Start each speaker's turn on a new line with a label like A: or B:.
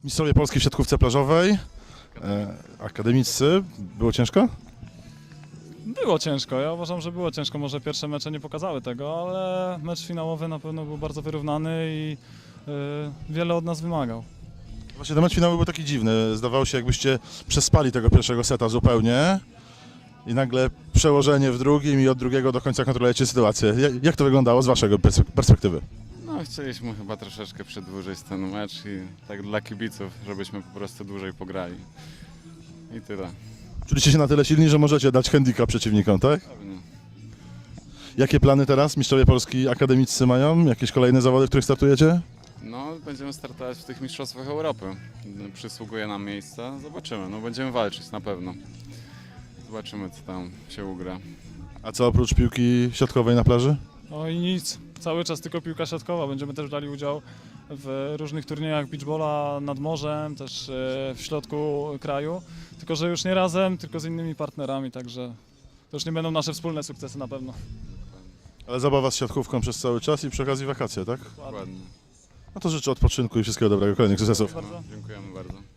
A: Mistrzowie Polski w siatkówce plażowej, akademiccy. Było ciężko?
B: Było ciężko, ja uważam, że było ciężko. Może pierwsze mecze nie pokazały tego, ale mecz finałowy na pewno był bardzo wyrównany i wiele od nas wymagał.
A: Właśnie ten mecz finałowy był taki dziwny. Zdawało się, jakbyście przespali tego pierwszego seta zupełnie i nagle przełożenie w drugim i od drugiego do końca kontrolujecie sytuację. Jak to wyglądało z waszego perspektywy?
C: No, chcieliśmy chyba troszeczkę przedłużyć ten mecz i tak dla kibiców, żebyśmy po prostu dłużej pograli. I tyle.
A: Czuliście się na tyle silni, że możecie dać handicap przeciwnikom, tak?
C: Pewnie.
A: Jakie plany teraz Mistrzowie Polski akademiccy mają? Jakieś kolejne zawody, w których startujecie?
C: No, będziemy startować w tych mistrzostwach Europy. Przysługuje nam miejsce, zobaczymy. No, będziemy walczyć na pewno. Zobaczymy, co tam się ugra.
A: A co oprócz piłki siatkowej na plaży?
B: No i nic, cały czas tylko piłka siatkowa. Będziemy też brali udział w różnych turniejach beachbola nad morzem, też w środku kraju. Tylko że już nie razem, tylko z innymi partnerami, także to już nie będą nasze wspólne sukcesy na pewno.
A: Ale zabawa z siatkówką przez cały czas i przy okazji wakacje, tak?
C: Dokładnie.
A: No to życzę odpoczynku i wszystkiego dobrego, kolejnych sukcesów.
B: Bardzo.
C: Dziękujemy bardzo.